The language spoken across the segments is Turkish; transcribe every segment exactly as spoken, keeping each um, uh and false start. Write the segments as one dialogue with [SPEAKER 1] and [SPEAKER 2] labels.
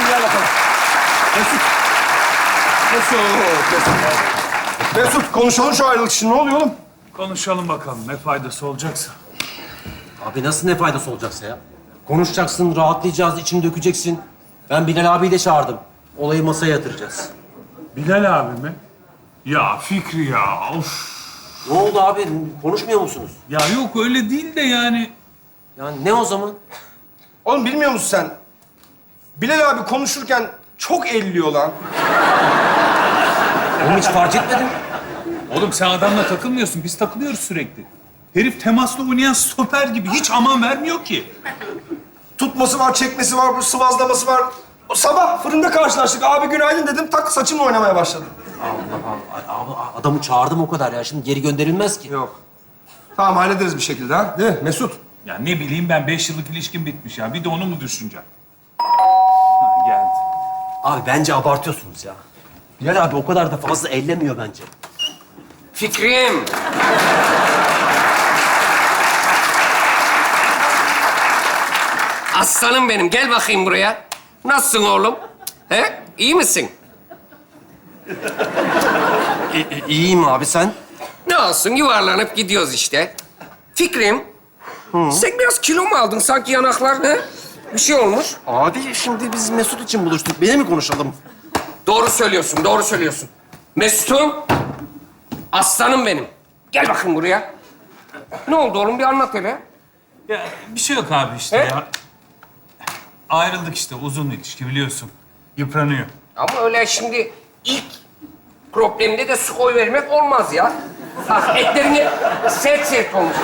[SPEAKER 1] gel bakalım. Mesut. Mesut. Mesut. Mesut konuşalım şu ayrılık için. Ne oluyor oğlum?
[SPEAKER 2] Konuşalım bakalım ne faydası olacaksa.
[SPEAKER 3] Abi nasıl ne faydası olacaksa ya? Konuşacaksın, rahatlayacağız, içini dökeceksin. Ben Bilal abiyi de çağırdım. Olayı masaya yatıracağız.
[SPEAKER 2] Bilal abi mi? Ya Fikri ya, of.
[SPEAKER 3] Ne oldu abi? Konuşmuyor musunuz?
[SPEAKER 2] Ya yok öyle değil de yani.
[SPEAKER 3] Yani ne o zaman?
[SPEAKER 1] Oğlum bilmiyor musun sen? Bilal abi konuşurken çok elliyor lan.
[SPEAKER 3] Onu hiç fark etmedim.
[SPEAKER 2] Oğlum sen adamla takılmıyorsun, biz takılıyoruz sürekli. Herif temaslı oynayan stoper gibi hiç aman vermiyor ki.
[SPEAKER 1] Tutması var, çekmesi var, sıvazlaması var. O sabah fırında karşılaştık. Abi günaydın dedim. Tak saçımla oynamaya başladı.
[SPEAKER 3] Allah Allah. Abi adamı çağırdım o kadar ya. Şimdi geri gönderilmez ki.
[SPEAKER 1] Yok. Tamam hallederiz bir şekilde ha. Değil mi Mesut?
[SPEAKER 2] Ya ne bileyim ben beş yıllık ilişkim bitmiş ya. Bir de onu mu düşüneceğim? Ha, geldi.
[SPEAKER 3] Abi bence abartıyorsunuz ya. Bilal abi o kadar da fazla ellemiyor bence.
[SPEAKER 4] Fikrim. Aslanım benim. Gel bakayım buraya. Nasılsın oğlum? He? İyi misin?
[SPEAKER 3] İ- İyiyim abi sen?
[SPEAKER 4] Ne olsun yuvarlanıp gidiyoruz işte. Fikrim. Sen biraz kilo mu aldın sanki yanaklar ne? Bir şey olmuş.
[SPEAKER 3] Abi şimdi biz Mesut için buluştuk. Beni mi konuşalım?
[SPEAKER 4] Doğru söylüyorsun, doğru söylüyorsun. Mesut'um. Aslanım benim. Gel bakayım buraya. Ne oldu oğlum? Bir anlat hele.
[SPEAKER 2] Ya bir şey yok abi işte
[SPEAKER 4] He?
[SPEAKER 2] ya. Ayrıldık işte uzun ilişki biliyorsun. Yıpranıyor.
[SPEAKER 4] Ama öyle şimdi ilk problemde de su koy vermek olmaz ya. Bak etlerini sert sert olmuş.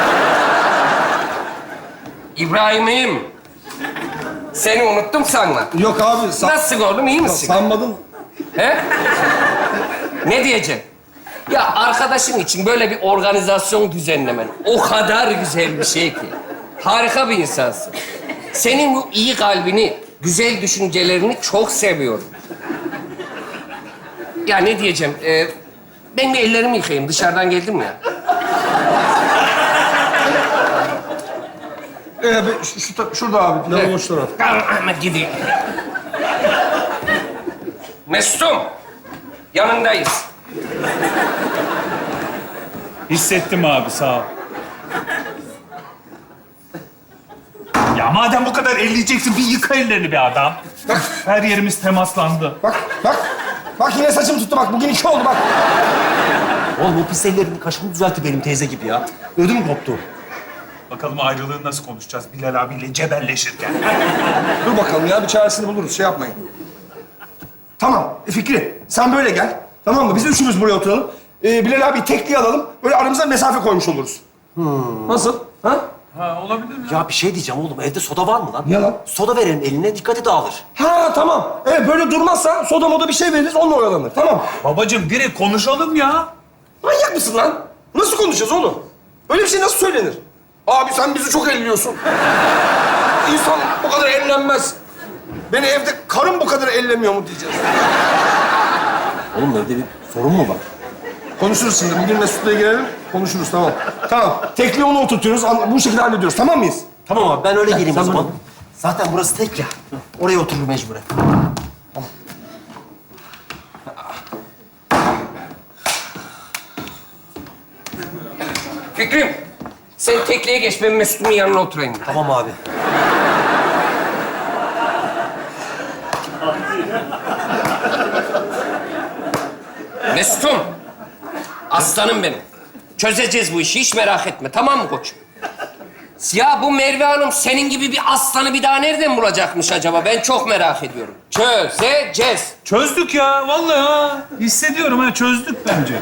[SPEAKER 4] İbrahim'im. Seni unuttum sanma.
[SPEAKER 1] Yok abi. San...
[SPEAKER 4] Nasılsın oğlum, iyi misin?
[SPEAKER 1] Sanmadım.
[SPEAKER 4] He? Ne diyeceğim? Ya arkadaşın için böyle bir organizasyon düzenlemen o kadar güzel bir şey ki. Harika bir insansın. Senin bu iyi kalbini, güzel düşüncelerini çok seviyorum. Ya ne diyeceğim? Ee, ben bir ellerimi yıkayayım. Dışarıdan geldim ya.
[SPEAKER 1] Ee, be- şu, şu ta- şurada abi. Ne
[SPEAKER 4] Evet.
[SPEAKER 1] boş taraf.
[SPEAKER 4] Tamam Ahmet gideyim. Mesut'um, yanındayız.
[SPEAKER 2] Hissettim abi sağ ol. Ya madem bu kadar elleyeceksin bir yıka ellerini be adam. Her yerimiz temaslandı.
[SPEAKER 1] Bak, bak. Bak yine saçım tuttu bak. Bugün iki oldu bak.
[SPEAKER 3] Oğlum o pis ellerini kaşını düzeltti benim teyze gibi ya. Ödüm koptu.
[SPEAKER 2] Bakalım ayrılığı nasıl konuşacağız Bilal abiyle cebelleşirken.
[SPEAKER 1] Dur bakalım ya. Bir çaresini buluruz. Şey yapmayın. Tamam. E, Fikri sen böyle gel. Tamam mı? Biz üçümüz buraya oturalım. Ee, Bilal abi tekliği alalım. Böyle aramıza mesafe koymuş oluruz. Nasıl? Ha?
[SPEAKER 2] Ha olabilir mi?
[SPEAKER 3] Ya bir şey diyeceğim oğlum. Evde soda var mı lan?
[SPEAKER 1] Niye lan?
[SPEAKER 3] Soda verelim eline, dikkati dağılır.
[SPEAKER 1] Ha tamam. Evet böyle durmazsa soda moda bir şey veririz. Onunla oyalanır. Tamam.
[SPEAKER 2] Babacığım direkt konuşalım ya.
[SPEAKER 1] Manyak mısın lan? Nasıl konuşacağız oğlum? Öyle bir şey nasıl söylenir? Abi sen bizi çok elliyorsun. İnsan bu kadar ellenmez. Beni evde karım bu kadar ellemiyor mu diyeceğiz.
[SPEAKER 3] Oğlum evde bir sorun mu var?
[SPEAKER 1] Konuşuruz şimdi. Bugün Mesut'la girelim. Konuşuruz tamam. Tamam. Tekliği onu oturtuyoruz. an- Bu şekilde hallediyoruz. Tamam mıyız?
[SPEAKER 3] Tamam abi ben öyle geleyim
[SPEAKER 1] sen
[SPEAKER 3] o zaman.
[SPEAKER 1] böyle-
[SPEAKER 3] Zaten burası tek ya. Oraya oturur mecburen.
[SPEAKER 4] Fikrim, sen tekliğe geç. Ben Mesut'un yanına oturayım.
[SPEAKER 3] Tamam abi.
[SPEAKER 4] Mesut'um, aslanım benim. Çözeceğiz bu işi, hiç merak etme. Tamam mı koçum? Ya bu Merve Hanım senin gibi bir aslanı bir daha nereden bulacakmış acaba? Ben çok merak ediyorum. Çözeceğiz.
[SPEAKER 2] Çözdük ya vallahi ha. Hissediyorum ha çözdük bence.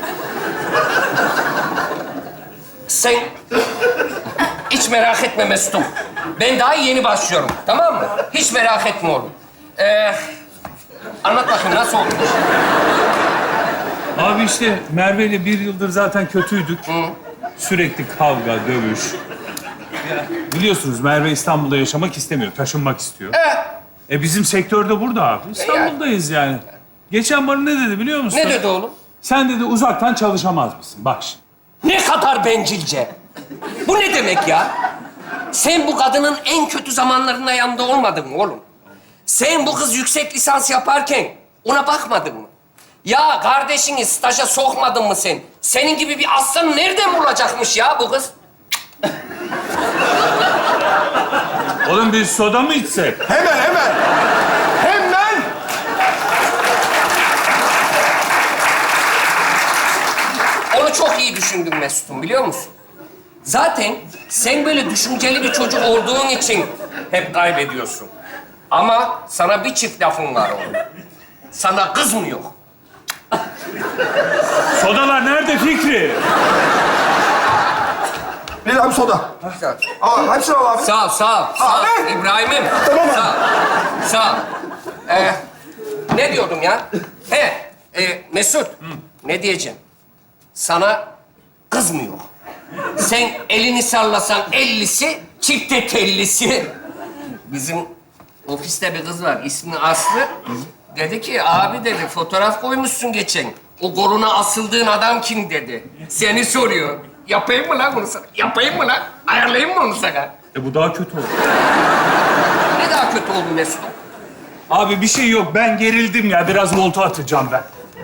[SPEAKER 4] Sen hiç merak etme Mesut'um. Ben daha yeni başlıyorum, tamam mı? Hiç merak etme oğlum. Ee, anlat bakayım nasıl oldu?
[SPEAKER 2] Abi işte Merve ile bir yıldır zaten kötüydük. Sürekli kavga, dövüş. Ya, biliyorsunuz Merve İstanbul'da yaşamak istemiyor, taşınmak istiyor.
[SPEAKER 4] Ee,
[SPEAKER 2] E bizim sektörde burada abi. İstanbul'dayız yani. Geçen bana ne dedi biliyor musun?
[SPEAKER 4] ne dedi oğlum?
[SPEAKER 2] Sen dedi uzaktan çalışamaz mısın? Bak şimdi.
[SPEAKER 4] Ne kadar bencilce. Bu ne demek ya? Sen bu kadının en kötü zamanlarında yanında olmadın mı oğlum? Sen bu kız yüksek lisans yaparken ona bakmadın mı? Ya kardeşini staja sokmadın mı sen? Senin gibi bir aslanı nereden bulacakmış ya bu kız?
[SPEAKER 2] Oğlum bir soda mı içsek?
[SPEAKER 1] Hemen, hemen. Hemen.
[SPEAKER 4] Onu çok iyi düşündün Mesut'um, biliyor musun? Zaten sen böyle düşünceli bir çocuk olduğun için hep kaybediyorsun. Ama sana bir çift lafım var oğlum. Sana kız mı yok?
[SPEAKER 2] Sodalar nerede Fikri?
[SPEAKER 1] Bilal abi soda. Aa, hepsini al abi.
[SPEAKER 4] Sağ ol, sağ ol. Sağ ol.
[SPEAKER 1] Abi!
[SPEAKER 4] İbrahim'im.
[SPEAKER 1] Tamam abi.
[SPEAKER 4] Sağ ol. Sağ ol. Ee, ne diyordum ya? He, e, Mesut. Ne diyeceğim? Sana kız mı yok? Sen elini sallasan ellisi, çifte tellisi. Bizim ofiste bir kız var, ismi Aslı. Dedi ki, abi dedi, fotoğraf koymuşsun geçen. O koluna asıldığın adam kim dedi. Seni soruyor. Yapayım mı lan bunu sana? Yapayım mı lan? Ayarlayayım mı onu sana?
[SPEAKER 2] E bu daha kötü oldu.
[SPEAKER 4] Ne daha kötü oldu Mesut?
[SPEAKER 2] Abi bir şey yok. Ben gerildim ya. Biraz volta atacağım ben.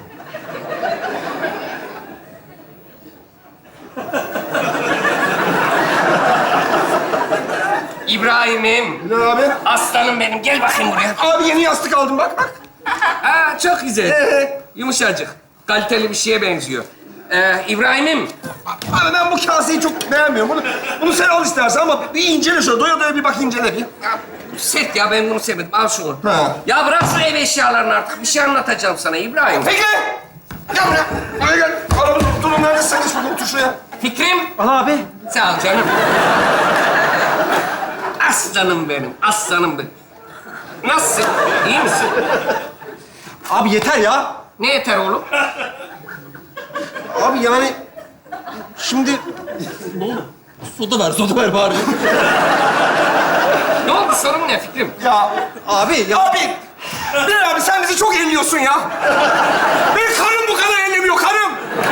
[SPEAKER 4] İbrahim'im,
[SPEAKER 1] Bilal abi.
[SPEAKER 4] aslanım benim. Gel bakayım buraya.
[SPEAKER 1] Abi yeni yastık aldım bak bak.
[SPEAKER 4] Aa, çok güzel.
[SPEAKER 1] Ee?
[SPEAKER 4] Yumuşacık. Kaliteli bir şeye benziyor. Ee, İbrahim'im,
[SPEAKER 1] Abi ben bu kaseyi çok beğenmiyorum. Bunu, bunu sen al istersen ama bir incele şöyle. Doya doya bir bak incele bir.
[SPEAKER 4] ya, sert ya, ben bunu sevmedim. Al şunu.
[SPEAKER 1] Ha.
[SPEAKER 4] Ya bırak şu ev eşyalarını artık. Bir şey anlatacağım sana İbrahim.
[SPEAKER 1] Peki. Gel buraya. Buraya gel. Aramız durun neredesin? Sen geç bakalım. Otur şuraya.
[SPEAKER 4] Fikrim,
[SPEAKER 3] Al abi.
[SPEAKER 4] sağ ol canım. Aslanım benim, aslanım benim. Nasılsın? İyi misin?
[SPEAKER 3] Abi yeter ya.
[SPEAKER 4] Ne yeter oğlum?
[SPEAKER 3] Abi yani şimdi ne oldu? Soda ver, soda ver bari.
[SPEAKER 4] Ne oldu, sorun ne Fikrim?
[SPEAKER 1] Ya
[SPEAKER 3] Abi ya.
[SPEAKER 1] abi. Bilal abi sen bizi çok elliyorsun ya. Benim karım bu kadar ellemiyor karım.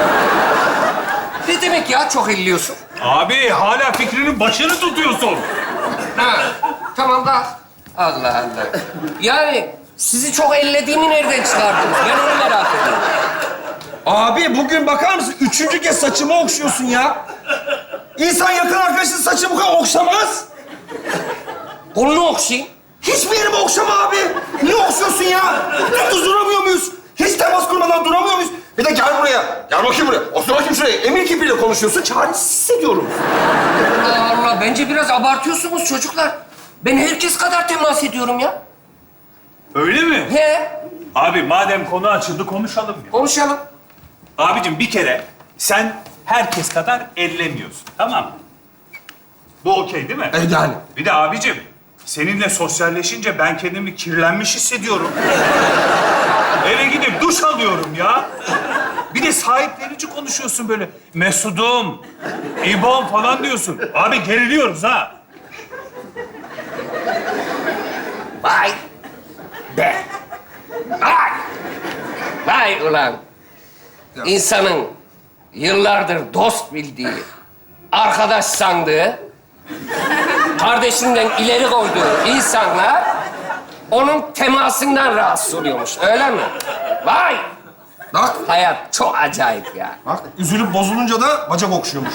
[SPEAKER 4] Ne demek ya çok elliyorsun?
[SPEAKER 2] Abi hala Fikri'nin başını tutuyorsun.
[SPEAKER 4] Ha, tamam da. Allah Allah. Yani sizi çok ellediğimi nereden çıkardınız? Ben onu merak ediyorum.
[SPEAKER 1] Abi bugün bakar mısın? Üçüncü kez saçımı okşuyorsun ya. İnsan yakın arkadaşının saçını bu kadar okşamaz.
[SPEAKER 4] Kolunu okşayayım.
[SPEAKER 1] Hiçbir yerimi okşama abi. Niye okşuyorsun ya? Dümdüz duramıyor muyuz? Hiç temas kurmadan duramıyor muyuz? Bir de gel buraya. Gel bakayım buraya. Otur bakayım şuraya. Emir kipiyle konuşuyorsun. Çaresiz hissediyorum.
[SPEAKER 4] Allah Allah, bence biraz abartıyorsunuz çocuklar. Ben herkes kadar temas ediyorum ya.
[SPEAKER 2] Öyle mi?
[SPEAKER 4] He,
[SPEAKER 2] Abi madem konu açıldı konuşalım ya.
[SPEAKER 4] konuşalım.
[SPEAKER 2] Abicim bir kere sen herkes kadar ellemiyorsun. Tamam mı? Bu okey değil mi?
[SPEAKER 1] E yani.
[SPEAKER 2] Bir de abicim seninle sosyalleşince ben kendimi kirlenmiş hissediyorum. Eve gidip duş alıyorum ya. Bir de sahiplenici konuşuyorsun böyle. Mesudum, İbon falan diyorsun. Abi geriliyoruz ha.
[SPEAKER 4] Vay be. Vay. Vay ulan. İnsanın yıllardır dost bildiği, arkadaş sandığı, kardeşinden ileri koyduğu insanlar onun temasından rahatsız oluyormuş. Öyle mi? Vay.
[SPEAKER 1] Bak.
[SPEAKER 4] Hayat çok acayip ya.
[SPEAKER 1] Bak üzülüp bozulunca da bacak okşuyormuş.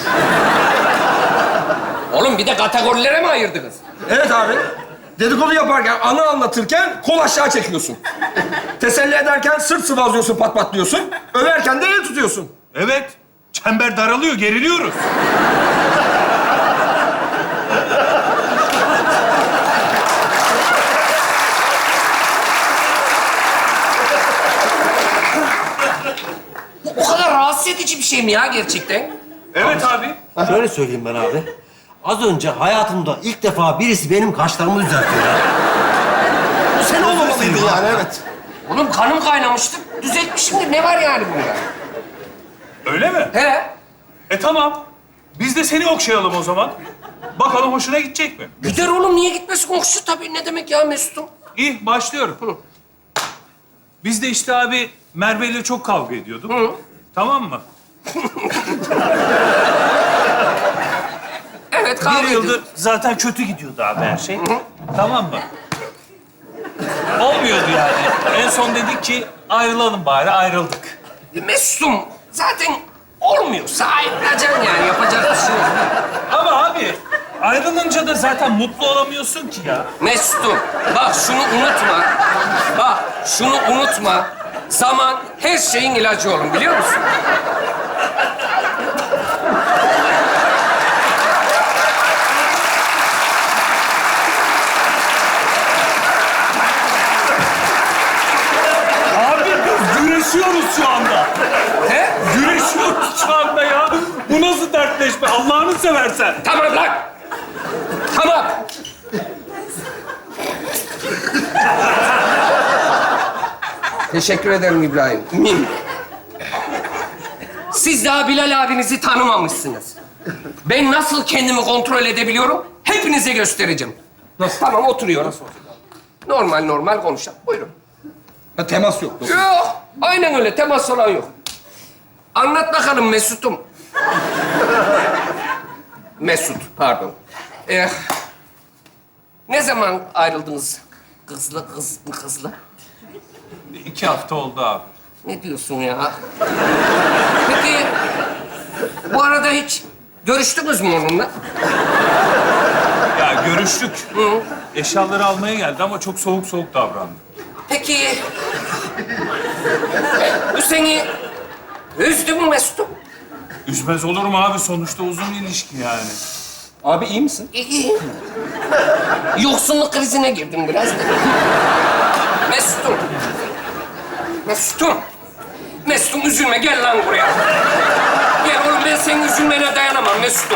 [SPEAKER 4] Oğlum bir de kategorilere mi ayırdınız?
[SPEAKER 1] Evet abi. Dedikodu yaparken, anı anlatırken kol aşağı çekiyorsun. Teselli ederken sırt sıvazlıyorsun, pat pat diyorsun. Överken de el tutuyorsun.
[SPEAKER 2] Evet. Çember daralıyor, geriliyoruz.
[SPEAKER 4] Bu o kadar rahatsız edici bir şey mi ya gerçekten?
[SPEAKER 2] Evet abi.
[SPEAKER 3] Şöyle söyleyeyim ben abi. Az önce hayatımda ilk defa birisi benim kaşlarımı düzeltiyor ya.
[SPEAKER 1] Bu sen olmamalıydın yani, evet.
[SPEAKER 4] Oğlum kanım kaynamıştı. Düzeltmişimdir. Ne var yani bunda?
[SPEAKER 2] Öyle mi?
[SPEAKER 4] He?
[SPEAKER 2] E tamam. Biz de seni okşayalım o zaman. Bakalım hoşuna gidecek mi?
[SPEAKER 4] Gider oğlum, niye gitmesin? Okşu tabii. Ne demek ya Mesut'um?
[SPEAKER 2] İyi, başlıyorum. Biz de işte abi Merve ile çok kavga ediyorduk.
[SPEAKER 4] Hı.
[SPEAKER 2] Tamam mı?
[SPEAKER 4] Evet, kavga
[SPEAKER 2] Bir
[SPEAKER 4] ediyoruz.
[SPEAKER 2] yıldır zaten kötü gidiyordu abi her şey. Tamam mı? son dedik ki ayrılalım bari, ayrıldık.
[SPEAKER 4] Mesut'um zaten olmuyorsa ayrılacaksın yani. Yapacak bir şey yok.
[SPEAKER 2] Ama abi ayrılınca da zaten mutlu olamıyorsun ki ya.
[SPEAKER 4] Mesut'um bak şunu unutma. Bak şunu unutma. Zaman her şeyin ilacı oğlum biliyor musun?
[SPEAKER 2] Abi biz güreşiyoruz şu anda.
[SPEAKER 4] He?
[SPEAKER 2] Güreşiyoruz şu anda ya. Bu nasıl dertleşme? Allah'ını seversen.
[SPEAKER 4] Tamam lan. Tamam. Teşekkür ederim İbrahim. Min. Siz daha Bilal abinizi tanımamışsınız. Ben nasıl kendimi kontrol edebiliyorum? Hepinize göstereceğim. Nasıl? Tamam oturuyoruz. Normal normal konuşalım. Buyurun.
[SPEAKER 1] Ha, temas yok.
[SPEAKER 4] Yok. Aynen öyle. Temas falan yok. Anlat bakalım Mesut'um. Mesut, pardon. Ee, ne zaman ayrıldınız kızla, kız, kızla?
[SPEAKER 2] İki hafta oldu abi.
[SPEAKER 4] Ne diyorsun ya? Peki, bu arada hiç görüştünüz mü onunla?
[SPEAKER 2] Ya görüştük.
[SPEAKER 4] Hı.
[SPEAKER 2] Eşyaları almaya geldi ama çok soğuk soğuk davrandı.
[SPEAKER 4] Peki, bu seni üzdü mü Mesut'um?
[SPEAKER 2] Üzmez olur mu abi? Sonuçta uzun ilişki yani.
[SPEAKER 1] Abi iyi misin?
[SPEAKER 4] İyi. Yoksunluk krizine girdim biraz da. Mesut'um. Mesut'um. Mesut'um üzülme, gel lan buraya. Gel oğlum, ben senin üzülmene dayanamam Mesut'um.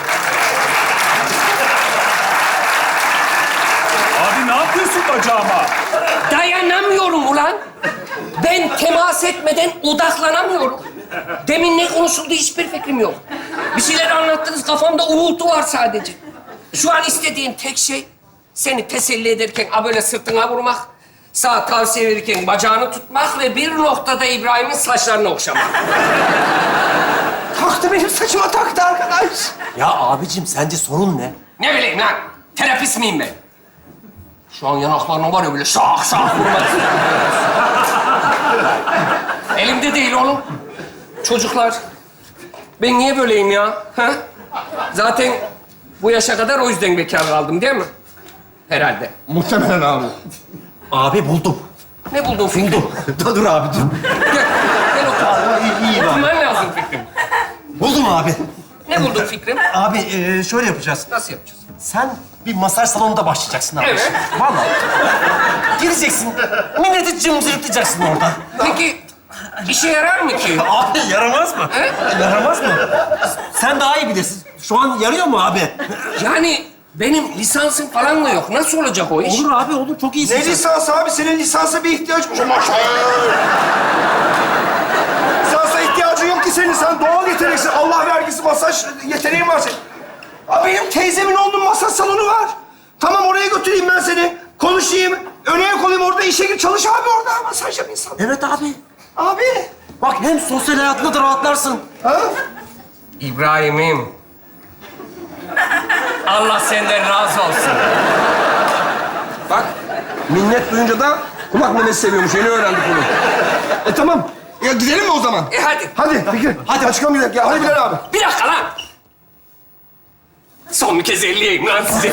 [SPEAKER 2] Abi ne yapıyorsun bacağıma?
[SPEAKER 4] Dayanamıyorum ulan. Ben temas etmeden odaklanamıyorum. Demin ne konuşuldu hiçbir fikrim yok. Bir şeyler anlattınız, kafamda uğultu var sadece. Şu an istediğim tek şey seni teselli ederken a böyle sırtına vurmak, sağ tavsiye verirken bacağını tutmak ve bir noktada İbrahim'in saçlarını okşamak.
[SPEAKER 1] Taktı benim saçıma taktı arkadaş.
[SPEAKER 3] Ya abicim sence sorun ne?
[SPEAKER 4] Ne bileyim lan, terapist miyim ben? Şu an yanaklarına var ya böyle şak şak vurmak. Elimde değil oğlum. Çocuklar, ben niye böyleyim ya? Ha? Zaten bu yaşa kadar o yüzden bekar kaldım değil mi? Herhalde.
[SPEAKER 1] Muhtemelen abi.
[SPEAKER 3] Abi buldum.
[SPEAKER 4] Ne buldun Fikrim?
[SPEAKER 3] dur dur abi dur.
[SPEAKER 4] Gel, gel otur.
[SPEAKER 3] İyi, iyi bak.
[SPEAKER 4] Oturman lazım Fikrim.
[SPEAKER 3] Buldum abi.
[SPEAKER 4] Ne buldun Fikrim?
[SPEAKER 3] Abi e, şöyle yapacağız.
[SPEAKER 4] Nasıl yapacağız?
[SPEAKER 3] Sen bir masaj salonunda başlayacaksın abi.
[SPEAKER 4] Evet.
[SPEAKER 3] Vallahi. Gireceksin. Milleti cımcırtacaksın orada.
[SPEAKER 4] Peki, işe yarar mı ki?
[SPEAKER 3] Abi yaramaz mı?
[SPEAKER 4] He?
[SPEAKER 3] Yaramaz mı? Sen daha iyi bilirsin. Şu an yarıyor mu abi?
[SPEAKER 4] Yani benim lisansım falan da yok. Nasıl olacak o iş?
[SPEAKER 3] Olur abi olur. Çok iyisin
[SPEAKER 1] Ne
[SPEAKER 3] sen.
[SPEAKER 1] lisansı abi? Senin lisansa bir ihtiyacın yok. Maşallah. Lisansa ihtiyacın yok ki senin. Sen doğal yeteneksin. Allah vergisi masaj yeteneğin var senin. Abi benim teyzemin oğlunun masaj salonu var. Tamam oraya götüreyim ben seni. Konuşayım. Öne koyayım orada işe gir. Çalış abi orada. Masaj yap insan.
[SPEAKER 3] Evet abi.
[SPEAKER 1] Abi.
[SPEAKER 3] Bak hem sosyal hayatında da rahatlarsın.
[SPEAKER 1] Ha?
[SPEAKER 4] İbrahim'im. Allah senden razı olsun.
[SPEAKER 1] Bak minnet duyunca da kulak memesi seviyormuş. Yeni öğrendik bunu. E tamam. Ya gidelim mi o zaman?
[SPEAKER 4] E hadi.
[SPEAKER 1] Hadi Fikri. Hadi açıklam gidelim. Ya hadi Bilal abi.
[SPEAKER 4] Bir dakika lan. Son bir kez elleyeyim lan sizi.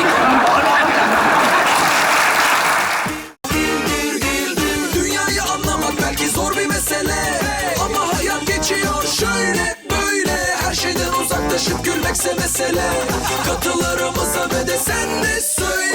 [SPEAKER 5] Dünyayı anlamak belki zor bir mesele, ama hayat geçiyor şöyle böyle. Her şeyden uzaklaşıp gülmekse mesele. Katılarımıza ve de sen de söyle.